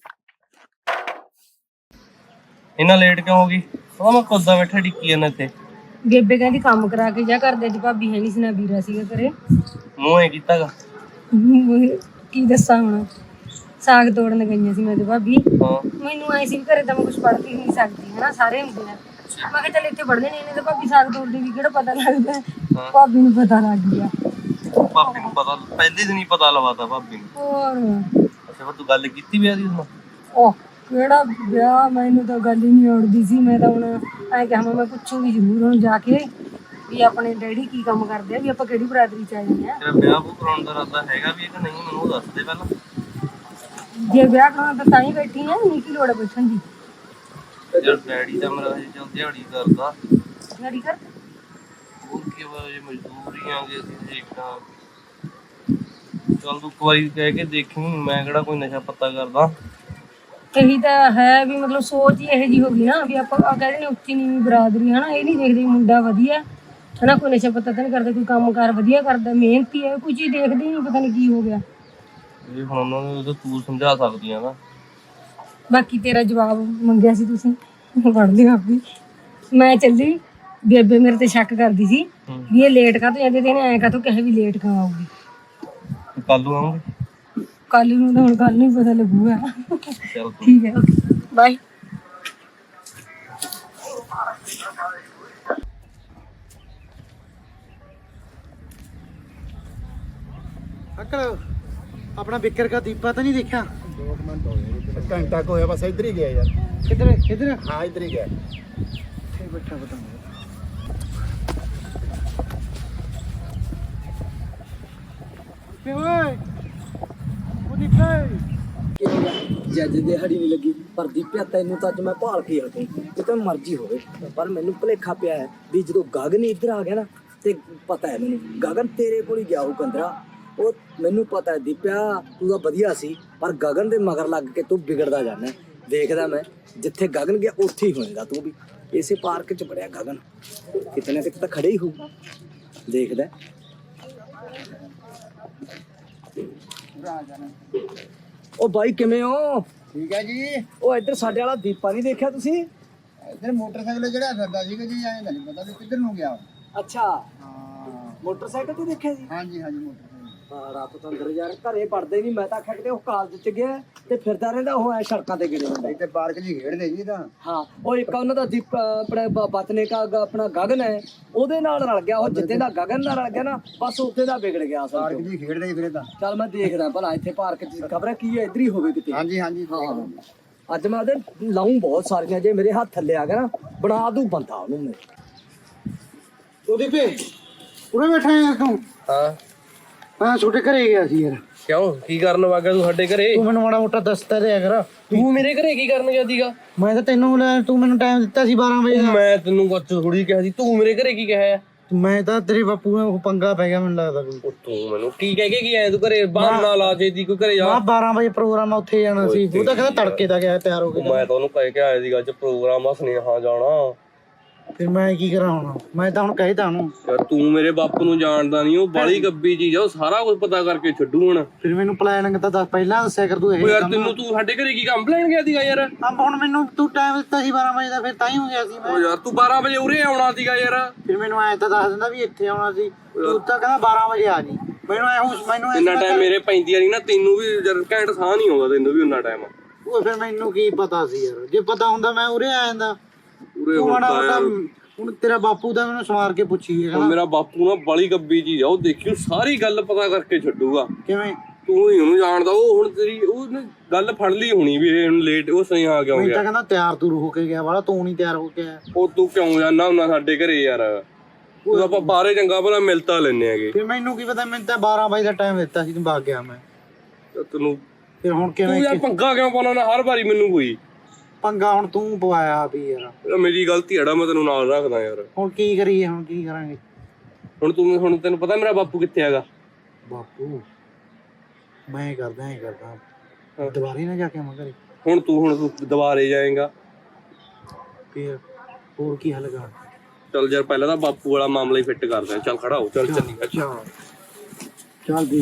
Speaker 3: ਇਹਨਾਂ ਲੇਟ ਕਿਉਂ ਹੋ ਗਈ? ਉਹ ਮੈਂ ਕੋਦਾ ਬੈਠਾ ਡਿੱਕੀ ਜਾਂਦਾ ਇੱਥੇ।
Speaker 6: ਬੇਬੇ ਕਹਿੰਦੀ ਕੰਮ ਕਰਾ ਕੇ ਜਾ, ਕਰਦੇ ਦੀ ਭਾਬੀ ਹੈ ਨਹੀਂ ਸੀ ਨਾ ਵੀਰਾ ਸੀਗਾ ਘਰੇ।
Speaker 3: ਮੂੰਹ ਐ ਕੀਤਾਗਾ।
Speaker 6: ਕੀ ਦੱਸਾਂ ਹੁਣ, ਸਾਗ ਤੋੜਨ ਗਈਆਂ ਸੀ ਮੈਂ ਤੇ ਭਾਬੀ।
Speaker 3: ਹਾਂ
Speaker 6: ਮੈਨੂੰ ਆਏ ਸੀ ਵੀ ਘਰੇ ਤਾਂ ਮੈਂ ਕੁਝ ਪੜ੍ਹ ਹੀ ਨਹੀਂ ਸਕਦੀ ਹਨਾ, ਸਾਰੇ ਹੁੰਦੇ ਆ। ਮੈਂ ਕਿਹਾ ਚੱਲ ਇੱਥੇ ਪੜ੍ਹਦੇ ਨੇ, ਇਹਨੇ ਤਾਂ ਭਾਬੀ ਸਾਗ ਤੋੜਦੇ ਵੀ ਕਿਹੜਾ ਪਤਾ ਲੱਗਦਾ। ਭਾਬੀ ਨੂੰ ਪਤਾ ਲੱਗ ਗਿਆ।
Speaker 3: ਭਾਬੀ ਨੂੰ ਪਤਾ ਪਹਿਲੇ ਦਿਨ ਹੀ ਪਤਾ ਲਵਾਤਾ ਭਾਬੀ ਨੂੰ।
Speaker 6: ਹੋਰ
Speaker 3: ਅੱਛਾ ਫਿਰ ਤੂੰ ਗੱਲ ਕੀਤੀ ਵਿਆਹ ਦੀ ਉਸ ਨਾਲ?
Speaker 6: ਉਹ ਕਿਹੜਾ ਵਿਆਹ, ਮੈਨੂੰ ਤਾਂ ਗੱਲ ਹੀ ਨਹੀਂ ਆਉਂਦੀ ਸੀ। ਮੈਂ ਤਾਂ ਹੁਣ ਐਂ ਕਿਹਾ ਮੈਂ ਪੁੱਛੂਗੀ ਜ਼ਰੂਰ ਹੁਣ ਜਾ ਕੇ ਵੀ ਆਪਣੇ ਡੈਡੀ ਕੀ ਕੰਮ ਕਰਦੇ ਆ, ਵੀ ਆਪਾਂ ਕਿਹੜੀ ਬਰਾਦਰੀ ਚ ਆ ਜਾਂਦੇ ਆ।
Speaker 3: ਤੇਰਾ ਵਿਆਹ ਕਰਾਉਣ ਦਾ ਇਰਾਦਾ ਹੈਗਾ ਵੀ ਕਿ ਨਹੀਂ, ਮੈਨੂੰ ਉਹ ਦੱਸ ਦੇ ਪਹਿਲਾਂ।
Speaker 6: ਜੇ ਵਿਆਹ ਕਰਾਉਣਾ ਤਾਂ ਹੀ ਬੈਠੀ ਆ, ਨਹੀਂ ਕੀ ਲੋੜ ਬੈਠਣ ਦੀ।
Speaker 3: ਯਾਰ ਡੈਡੀ ਤਾਂ ਮੇਰਾ ਹਜੇ ਚੱਲ ਦਿਹਾੜੀ ਕਰਦਾ।
Speaker 6: ਡੈਡੀ ਕਰ
Speaker 3: ਉਹ ਕੀ ਜੇ ਮਜ਼ਦੂਰੀਆਂ ਜੇ ਅਸੀਂ ਦੇਖਾਂ। ਚੱਲ ਤੂੰ ਇੱਕ ਵਾਰੀ ਕਹਿ ਕੇ ਦੇਖੀ, ਮੈਂ ਕਿਹੜਾ ਕੋਈ ਨਸ਼ਾ ਪੱਤਾ ਕਰਦਾ।
Speaker 6: ਇਹੀ ਤਾਂ ਹੈ ਵੀ ਮਤਲਬ ਸੋਚ ਹੀ ਇਹੋ ਜਿਹੀ ਹੋ ਗਈ ਨਾ ਵੀ ਆਪਾਂ ਕਹਿੰਦੇ ਨੇ ਉੱਚੀ ਨੀਵੀਂ ਬਰਾਦਰੀ ਹਨਾ, ਇਹ ਨਹੀਂ ਦੇਖਦੇ ਮੁੰਡਾ ਵਧੀਆ ਹਨਾ, ਕੋਈ ਨਸ਼ਾ ਪੱਤਾ ਤਾਂ ਨਹੀਂ ਕਰਦਾ, ਕੋਈ ਕੰਮ ਕਾਰ ਵਧੀਆ ਕਰਦਾ, ਮਿਹਨਤੀ ਹੈ, ਕੋਈ ਚੀਜ਼ ਦੇਖਦੇ ਹੀ ਨਹੀਂ, ਪਤਾ ਨਹੀਂ ਕੀ ਹੋ ਗਿਆ।
Speaker 3: ਇਹ ਹੁਣ ਉਹਨਾਂ ਨੂੰ ਤਾਂ ਤੂੰ ਸਮਝਾ ਸਕਦੀ ਆ ਨਾ।
Speaker 6: ਬਾਕੀ ਤੇਰਾ ਜਵਾਬ ਮੰਗਿਆ ਸੀ ਤੁਸੀਂ, ਪੜ੍ਹ ਲਿਓ ਆਪੀ। ਮੈਂ ਚੱਲੀ, ਬੇਬੇ ਮੇਰੇ ਤੇ ਸ਼ੱਕ ਕਰਦੀ ਸੀ ਵੀ ਇਹ ਲੇਟ ਕਾਹਤੋਂ ਜਾਂਦੇ ਤੇ ਇਹਨੇ ਐਂ ਕਾਹਤੋਂ ਕਹੇ ਵੀ ਲੇਟ ਕਿਉਂ ਆਊਗੀ।
Speaker 3: ਕੱਲ ਨੂੰ ਆਉਂਗੀ।
Speaker 6: ਕੱਲ ਨੂੰ ਤਾਂ ਹੁਣ ਕੱਲ ਨੂੰ ਹੀ ਪਤਾ ਲੱਗੂਗਾ।
Speaker 3: ਚੱਲ
Speaker 6: ਠੀਕ ਹੈ, ਓਕੇ ਬਾਏ।
Speaker 7: ਅੰਕਲ ਆਪਣਾ ਬਿੱਕਰ ਦਾ ਦੀਪਾ ਤਾਂ ਨਹੀਂ ਦੇਖਿਆ? 2 ਮਿੰਟ ਹੋ ਗਏ, ਘੰਟਾ ਕੋ ਹੋਇਆ ਬਸ। ਇੱਧਰ ਹੀ ਗਿਆ ਯਾਰ। ਕਿੱਧਰ? ਹਾਂ ਇੱਧਰ ਹੀ ਗਿਆ। ਇੱਥੇ ਬੈਠਾ ਪਤਾ ਨਹੀਂ। ਓਏ ਉਹ ਦੀਪੇ
Speaker 2: ਜੱਜ ਦਿਹਾੜੀ ਨਹੀਂ ਲੱਗੀ, ਪਰ ਦੀਪਿਆ ਤੈਨੂੰ ਤਾਂ ਅੱਜ ਮੈਂ ਭਾਲ ਕੇ ਹਟੂ, ਜਿੱਦਾਂ ਮਰਜ਼ੀ ਹੋਵੇ। ਪਰ ਮੈਨੂੰ ਭੁਲੇਖਾ ਪਿਆ ਹੈ ਵੀ ਜਦੋਂ ਗਗਨ ਇੱਧਰ ਆ ਗਿਆ ਨਾ, ਤੇ ਪਤਾ ਹੈ ਮੈਨੂੰ ਗਗਨ ਤੇਰੇ ਕੋਲ ਹੀ ਗਿਆ ਉਹ ਕੰਦਰਾ। ਉਹ ਮੈਨੂੰ ਪਤਾ ਹੈ ਦੀਪਿਆ ਤੂੰ ਤਾਂ ਵਧੀਆ ਸੀ, ਪਰ ਗਗਨ ਦੇ ਮਗਰ ਲੱਗ ਕੇ ਤੂੰ ਵਿਗੜਦਾ ਜਾਂਦਾ। ਦੇਖਦਾ ਮੈਂ ਜਿੱਥੇ ਗਗਨ ਗਿਆ ਉੱਥੇ ਹੀ ਹੋਏਗਾ ਤੂੰ ਵੀ। ਇਸੇ ਪਾਰਕ 'ਚ ਬੜਿਆ ਗਗਨ, ਕਿਤੇ ਨਾ ਕਿਤੇ ਤਾਂ ਖੜੇ ਹੀ ਹੋਊਗਾ। ਦੇਖਦਾ ਉਹ ਬਾਈ ਕਿਵੇਂ ਹੋ?
Speaker 7: ਠੀਕ ਹੈ ਜੀ।
Speaker 2: ਉਹ ਇੱਧਰ ਸਾਡੇ ਵਾਲਾ ਦੀਪਾ ਨਹੀਂ ਦੇਖਿਆ ਤੁਸੀਂ?
Speaker 7: ਇੱਧਰ ਮੋਟਰਸਾਈਕਲ ਜਿਹੜਾ ਫਿਰਦਾ ਸੀਗਾ ਜੀ, ਐਂ ਨਹੀਂ ਪਤਾ ਵੀ ਕਿੱਧਰ ਨੂੰ ਗਿਆ।
Speaker 2: ਅੱਛਾ,
Speaker 7: ਹਾਂ
Speaker 2: ਮੋਟਰਸਾਈਕਲ ਤੇ ਦੇਖਿਆ ਜੀ?
Speaker 7: ਹਾਂਜੀ ਮੋਟਰਸਾਈਕਲ।
Speaker 2: ਹਾਂ ਰਾਤ ਤੋਂ ਅੰਦਰ ਯਾਰ ਘਰੇ ਪੜਦੇ ਨਹੀਂ। ਮੈਂ ਤਾਂ ਆਖਿਆ ਕਿਤੇ ਉਹ ਕਾਲਜ ਚ ਗਿਆ ਤੇ ਫਿਰਦਾ ਰਹਿੰਦਾ ਉਹ ਐ ਸੜਕਾਂ ਤੇ ਗਿਰੇ ਹੁੰਦਾ।
Speaker 7: ਇੱਥੇ ਪਾਰਕ ਜੀ ਖੇਡਦੇ ਜੀ ਤਾਂ।
Speaker 2: ਹਾਂ ਉਹ ਇੱਕ ਉਹਨਾਂ ਦਾ ਦੀਪ ਆਪਣੇ ਬਤਨੇ ਕਾ ਆਪਣਾ ਗਗਨ ਹੈ, ਉਹਦੇ ਨਾਲ ਰਲ ਗਿਆ। ਉਹ ਜਿੱਦੇ ਦਾ ਗਗਨ ਨਾਲ ਰਲ ਗਿਆ ਨਾ, ਬਸ ਉੱਥੇ ਦਾ ਵਿਗੜ ਗਿਆ ਅਸਲ
Speaker 7: ਪਾਰਕ
Speaker 2: ਚ।
Speaker 7: ਜੀ ਖੇਡਦੇ ਫਿਰ ਤਾਂ।
Speaker 2: ਚੱਲ ਮੈਂ ਦੇਖਦਾ ਭਲਾ ਇੱਥੇ ਪਾਰਕ ਚ ਖਬਰ ਕੀ ਹੈ, ਇੱਧਰ ਹੀ ਹੋਵੇ ਕਿਤੇ।
Speaker 7: ਹਾਂਜੀ
Speaker 2: ਹਾਂ ਅੱਜ ਮੈਂ ਉਹਦੇ ਲਾਉਂ ਬਹੁਤ ਸਾਰੀਆਂ, ਜੇ ਮੇਰੇ ਹੱਥ ਥੱਲੇ ਆ ਗਿਆ ਨਾ ਬਣਾ ਦੂ ਬੰਦਾ ਉਹਨੂੰ ਮੈਂ।
Speaker 7: ਉਹ ਦੀਪੇ ਉਰੇ ਬੈਠਾ ਯਾਰ ਤੂੰ? ਹਾਂ ਛੋਟੇ ਘਰੇ ਗਿਆ ਸੀ ਯਾਰ।
Speaker 3: ਕਿਉਂ ਕੀ ਕਰਨ ਵਾਗਾ ਤੂੰ ਸਾਡੇ ਘਰੇ?
Speaker 7: ਤੂੰ ਮੈਨੂੰ ਮਾੜਾ ਮੋਟਾ ਦੱਸਦਾ ਰਿਹਾ ਕਰ।
Speaker 3: ਤੂੰ ਮੇਰੇ ਘਰੇ ਕੀ ਕਰਨ ਗਿਆ ਸੀਗਾ?
Speaker 7: ਮੈਂ ਤਾਂ ਤੂੰ ਮੈਨੂੰ ਟਾਈਮ ਦਿੱਤਾ ਸੀ 12 ਵਜੇ ਦਾ।
Speaker 3: ਮੈਂ ਤੈਨੂੰ ਕੁਝ ਥੋੜੀ ਕਿਹਾ ਸੀ, ਤੂੰ ਮੇਰੇ ਘਰੇ ਕੀ ਕਿਹਾ?
Speaker 7: ਮੈਂ ਤਾਂ ਤੇਰੇ ਬਾਪੂ ਨਾਲ ਪੰਗਾ ਪੈ ਗਿਆ ਮੈਨੂੰ ਲੱਗਦਾ ਕੋਈ।
Speaker 3: ਉਹ ਤੂੰ ਮੈਨੂੰ ਕੀ ਕਹਿ ਕੇ ਕੀ ਆਇਆ ਤੂੰ ਘਰੇ? ਬਾਹਰ ਨਾ ਲਾ ਜੇ ਦੀ ਕੋਈ ਘਰੇ ਜਾ।
Speaker 7: 12 ਵਜੇ ਪ੍ਰੋਗਰਾਮ ਆ, ਉੱਥੇ ਜਾਣਾ ਸੀ। ਉਹ ਤਾਂ ਕਹਿੰਦਾ ਤੜਕੇ ਦਾ ਗਿਆ ਤਿਆਰ ਹੋ ਕੇ।
Speaker 3: ਮੈਂ ਤਾਂ ਉਹਨੂੰ ਕਹਿ ਕੇ ਆਇਆ ਸੀਗਾ ਅੱਜ ਪ੍ਰੋਗਰਾਮ ਆ ਸੁਨੇਹਾ ਜਾਣਾ।
Speaker 7: ਫਿਰ ਮੈਂ ਕੀ ਕਰਾਂ ਹੁਣ? ਮੈਂ ਤਾਂ ਹੁਣ ਕਹਿਤਾ ਉਹਨੂੰ।
Speaker 3: ਯਾਰ ਤੂੰ ਮੇਰੇ ਬਾਪੂ ਨੂੰ ਜਾਣਦਾ ਨਹੀਂ, ਉਹ ਬਾਲੀ ਗੱਬੀ ਚੀਜ਼ ਆ, ਉਹ ਸਾਰਾ ਕੁਝ ਪਤਾ ਕਰਕੇ ਛੱਡੂ ਹੁਣ।
Speaker 7: ਫਿਰ ਮੈਨੂੰ ਪਲਾਨਿੰਗ ਤਾਂ ਦੱਸ ਪਹਿਲਾਂ ਦੱਸਿਆ ਕਰ ਤੂੰ। ਇਹ
Speaker 3: ਯਾਰ ਤੈਨੂੰ ਤੂੰ ਸਾਡੇ ਘਰੇ ਕੀ ਕੰਮ ਲੈਣ ਗਿਆ ਸੀਗਾ ਯਾਰ?
Speaker 7: ਹੁਣ ਮੈਨੂੰ ਤੂੰ ਟਾਈਮ ਦਿੱਤਾ ਸੀ 12 ਵਜੇ ਦਾ, ਫਿਰ ਤਾਂ ਹੀ ਹੋ ਗਿਆ ਸੀ ਮੈਂ।
Speaker 3: ਉਹ ਯਾਰ ਤੂੰ 12 ਵਜੇ ਉਰੇ ਆਉਣਾ ਸੀਗਾ ਯਾਰ।
Speaker 7: ਫਿਰ ਮੈਨੂੰ ਐਂ ਤਾਂ ਦੱਸ ਦਿੰਦਾ ਵੀ ਇੱਥੇ ਆਉਣਾ ਸੀ। ਤੂੰ ਤਾਂ ਕਹਿੰਦਾ 12 ਵਜੇ ਆ ਜੀ। ਮੈਨੂੰ
Speaker 3: ਇੰਨਾ ਟਾਈਮ ਮੇਰੇ ਪੈਂਦੀਆਂ ਨਹੀਂ ਨਾ, ਤੈਨੂੰ ਵੀ ਯਾਰ ਘੈਂਟ ਸਾਹ ਨਹੀਂ ਆਉਂਦਾ, ਤੈਨੂੰ ਵੀ ਉਨਾ ਟਾਈਮ।
Speaker 7: ਉਹ ਫਿਰ ਮੈਨੂੰ ਕੀ ਪਤਾ ਸੀ ਯਾਰ, ਜੇ ਪਤਾ ਹੁੰਦਾ ਮੈਂ ਉਰੇ ਆ ਜਾਂਦਾ।
Speaker 3: ਉਰੇ ਹੁੰਦਾ
Speaker 7: ਹੁਣ ਤੇਰਾ ਬਾਪੂ ਦਾ ਮੈਨੂੰ ਸਵਾਰ ਕੇ ਪੁੱਛੀ ਹੈ।
Speaker 3: ਮੇਰਾ ਬਾਪੂ ਨਾ ਬਾਲੀ ਗੱਬੀ ਚੀਜ਼ ਆ, ਉਹ ਦੇਖਿਓ ਸਾਰੀ ਗੱਲ ਪਤਾ ਕਰਕੇ ਛੱਡੂਗਾ।
Speaker 7: ਕਿਵੇਂ?
Speaker 3: ਤੂੰ ਹੀ ਉਹਨੂੰ ਜਾਣਦਾ, ਉਹ ਹੁਣ ਤੇਰੀ ਉਹ ਗੱਲ ਫੜ ਲਈ ਹੋਣੀ ਵੀ ਇਹ ਹੁਣ ਲੇਟ ਉਹ ਸਹੀ ਆ ਕਿਉਂ
Speaker 7: ਮੈਂ
Speaker 3: ਗਿਆ।
Speaker 7: ਤਾਂ ਕਹਿੰਦਾ ਤਿਆਰ ਤੂਰ ਹੋ ਕੇ ਗਿਆ ਵਾਲਾ, ਤੂੰ ਨਹੀਂ ਤਿਆਰ ਹੋ ਕੇ ਆਇਆ।
Speaker 3: ਉਹ ਤੂੰ ਕਿਉਂ ਜਾਣਾ ਹੁੰਦਾ ਸਾਡੇ ਘਰੇ ਯਾਰ? ਉਹ ਆਪਾਂ ਬਾਹਰੇ ਚੰਗਾ ਭਲਾ ਮਿਲਤਾ ਲੈਨੇ ਆਗੇ।
Speaker 7: ਫਿਰ ਮੈਨੂੰ ਕੀ ਪਤਾ, ਮੈਨੂੰ ਤਾਂ 12 ਵਜੇ ਦਾ ਟਾਈਮ ਦਿੱਤਾ ਸੀ, ਤੂੰ ਭਾਗ ਗਿਆ। ਮੈਂ
Speaker 3: ਤੈਨੂੰ
Speaker 7: ਫਿਰ ਹੁਣ
Speaker 3: ਤੂੰ
Speaker 7: ਕਿਵੇਂ
Speaker 3: ਯਾਰ ਪੰਗਾ ਕਿਉਂ ਪਾਉਣਾ ਨਾ ਹਰ ਵਾਰੀ ਮੈਨੂੰ? ਕੋਈ
Speaker 7: ਪੰਗਾ ਹੁਣ ਤੂੰ ਪਵਾਇਆ ਵੀ ਯਾਰ।
Speaker 3: ਮੇਰੀ ਗਲਤੀ ਹੈੜਾ, ਮੈਂ ਤੈਨੂੰ ਨਾਲ ਰੱਖਦਾ ਯਾਰ।
Speaker 7: ਹੁਣ ਕੀ ਕਰੀਏ? ਹੁਣ ਕੀ ਕਰਾਂਗੇ?
Speaker 3: ਹੁਣ ਤੈਨੂੰ ਪਤਾ ਮੇਰਾ ਬਾਪੂ ਕਿੱਥੇ ਹੈਗਾ?
Speaker 7: ਬਾਪੂ ਮੈਂ ਕਰਦਾ ਦੁਬਾਰੇ ਨਾ ਜਾ ਕੇ ਆਵਾਂ ਘਰੇ।
Speaker 3: ਹੁਣ ਤੂੰ ਦੁਬਾਰੇ ਜਾਏਗਾ।
Speaker 7: ਫਿਰ ਹੋਰ ਕੀ ਹੱਲ ਕਰ?
Speaker 3: ਚੱਲ ਯਾਰ ਪਹਿਲਾਂ ਤਾਂ ਬਾਪੂ ਵਾਲਾ ਮਾਮਲਾ ਹੀ ਫਿੱਟ ਕਰਦੇ ਆ। ਚੱਲ ਖੜਾ ਹੋ, ਚੱਲ ਚੱਲੀ।
Speaker 7: ਚੱਲ